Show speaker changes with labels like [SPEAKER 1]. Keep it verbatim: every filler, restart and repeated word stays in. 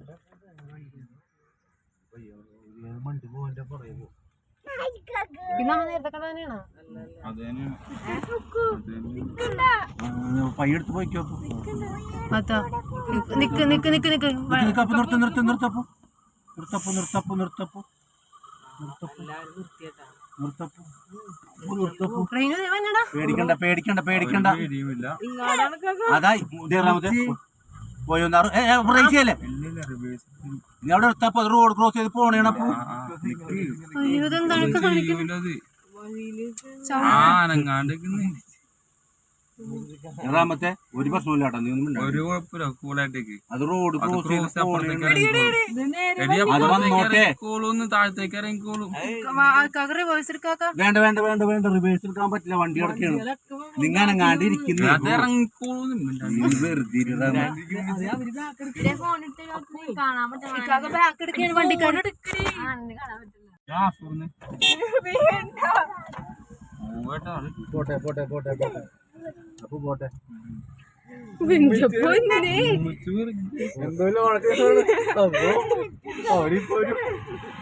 [SPEAKER 1] പിന്നെ നേരത്തെ കടന്നെയാണോ
[SPEAKER 2] പയ്യെടുത്ത് പോയിക്കോ.
[SPEAKER 1] നിക്ക് നിക്ക് നിക്ക് നിക്ക്
[SPEAKER 2] നിർത്ത നിർത്ത നിർത്തപ്പോ നിർത്തപ്പോ നിർത്തപ്പോ നിർത്തപ്പോ പേടിക്കണ്ട പേടിക്കണ്ട പേടിക്കണ്ട അതാ പോയൊന്ന് റേസ് ചെയ്യല്ലേ നീ അവിടെ നിർത്തപ്പോ റോഡ് ക്രോസ് ചെയ്ത് പോണേണപ്പോ ഏഴാമത്തെ ഒരു പ്രശ്നമില്ല കേട്ടോ. നീ ഒന്നും ഒരു കുഴപ്പമില്ല കൂളായിട്ടേക്ക് അത് റോഡ് ക്രോസ് ചെയ്ത് അത് വന്നോട്ടെ. താഴത്തേക്ക് ഇറങ്ങിക്കോളും. വേണ്ട വേണ്ട വേണ്ട വേണ്ട റിവേഴ്സ് എടുക്കാൻ പറ്റില്ല, വണ്ടി കിടക്കാണ്. നിങ്ങൾ അനങ്ങാണ്ട് ഇരിക്കുന്നു ഇറങ്ങിക്കോളും. പോട്ടെ പോട്ടെ പോട്ടെ പോട്ടെ അപ്പൊ പോട്ടെ എന്തോ